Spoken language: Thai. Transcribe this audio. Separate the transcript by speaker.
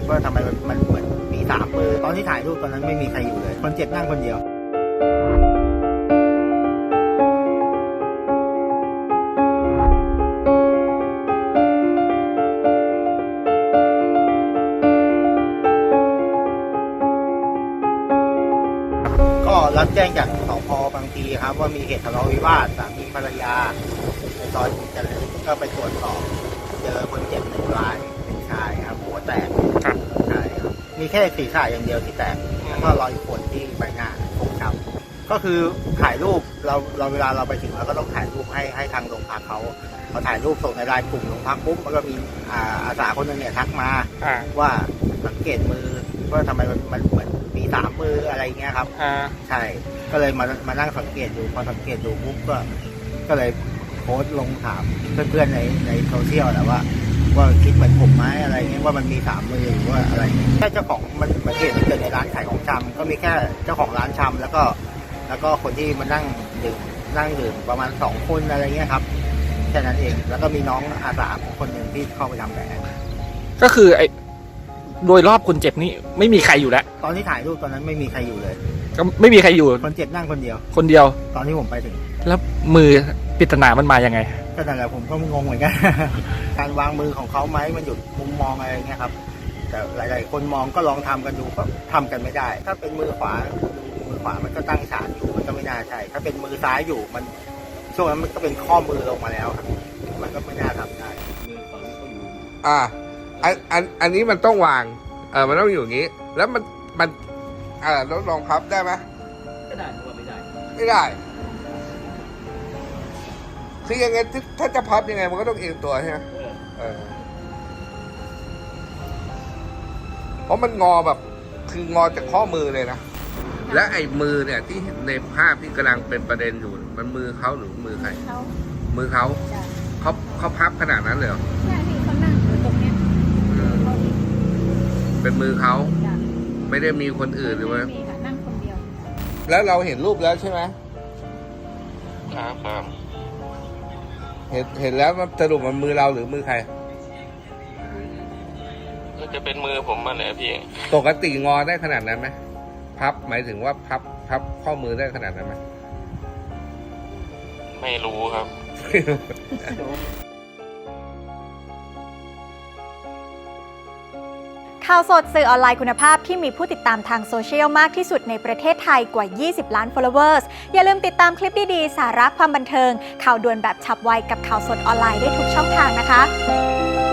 Speaker 1: ว่าทำไมมันเหมือนมี3 มือตอนที่ถ่ายรูปตอนนั้นไม่มีใครอยู่เลยคนเจ็บนั่งคนเดียวก็รับแจ้งจากสพ.บางพลีครับว่ามีเหตุทะเลาะวิวาทสามีภรรยาในซอยเจริญก็ไปตรวจสอบเจอคนเจ็บ1 รายเป็นชายครับหัวแตกใช่ครับมีแค่ศีรษะอย่างเดียวที่แตกแล้วก็รอยข่วนที่ใบหน้าฟกช้ำก็คือถ่ายรูปเราเวลาเราไปถึงเราก็ต้องถ่ายรูปให้ทางโรงพักเขาถ่ายรูปส่งในไลน์กลุ่มโรงพักปุ๊บแล้วก็มีอาสาคนหนึงเนี่ยทักมาว่าสังเกตมือว่าทำไมมันเหมือนมี3 มืออะไรเงี้ยครับใช่ก็เลยมานั่งสังเกตดูพอสังเกตดูปุ๊บก็เลยโพสต์ลงถามเพื่อนๆในโซเชียลแหละว่าคิดเหมือนผมไหมอะไรเงี้ยว่ามันมี3 มือหรือว่าอะไรแค่เจ้าของมันเหตุมันเกิดในร้านขายของชำก็มีแค่เจ้าของร้านชำแล้วก็คนที่มานั่งดื่มประมาณ2 คนอะไรเงี้ยครับแค่นั้นเองแล้วก็มีน้องอาสาคนหนึ่งที่เข้าไปทำแผล
Speaker 2: ก็คือโดยรอบคนเจ็บนี่ไม่มีใครอยู่แล้ว
Speaker 1: ตอนที่ถ่ายรูปตอนนั้นไม่มีใครอยู่เลย
Speaker 2: ก็ไม่มีใครอยู่
Speaker 1: คนเจ็บนั่งคนเดียวตอนที่ผมไปถึง
Speaker 2: แล้วมือปริศนามันมายังไง
Speaker 1: ก็นั่นแหละผมก็งงเหมือนกัน การวางมือของเขาไหมมันหยุดมุมมองอะไรเงี้ยครับแต่หลายๆคนมองก็ลองทำกันดูก็ทำกันไม่ได้ถ้าเป็นมือขวามันก็ตั้งฉากอยู่มันก็ไม่น่าใช่ถ้าเป็นมือซ้ายอยู่มันช่วงนั้นมันก็เป็นข้อมือลงมาแล้วครับมันก็ไม่น่าทำได้
Speaker 3: อันนี้มันต้องวางมันต้องอยู่อย่างนี้แล้วมันลองพับได้ไหม
Speaker 2: ไม่ได้หรือว่าไม่ได้
Speaker 3: คือยังไงถ้าจะพับยังไงมันก็ต้องเอียงตัวใช่ไหมเพราะมันงอแบบคืองอจากข้อมือเลยนะและไอ้มือเนี่ยที่เห็นในภาพที่กำลังเป็นประเด็นอยู่มันมือเขาหรือมือใครมือเขาพับขนาดนั้นเลยเหรอ
Speaker 4: ใช่ที่เขานั่งอยู่ตรงเนี้ย
Speaker 3: เป็นมือเขาไม่ได้มีคนอื่นหรือว่า
Speaker 4: นั่งคนเดียว
Speaker 3: แล้วเราเห็นรูปแล้วใช่ไหม
Speaker 5: ครับ
Speaker 3: เห็นแล้วสรุปมันมือเราหรือมือใคร
Speaker 5: ก็จะเป็นมือผมมาแหละพี่
Speaker 3: ปกติงอได้ขนาดนั้นไหมพับหมายถึงว่าพับข้อมือได้ขนาดนั้นไหม
Speaker 5: ไม่รู้ครับ
Speaker 6: ข่าวสดสื่อออนไลน์คุณภาพที่มีผู้ติดตามทางโซเชียลมากที่สุดในประเทศไทยกว่า 20 ล้าน followers อย่าลืมติดตามคลิปดีๆ สาระความบันเทิงข่าวด่วนแบบฉับไวกับข่าวสดออนไลน์ได้ทุกช่องทางนะคะ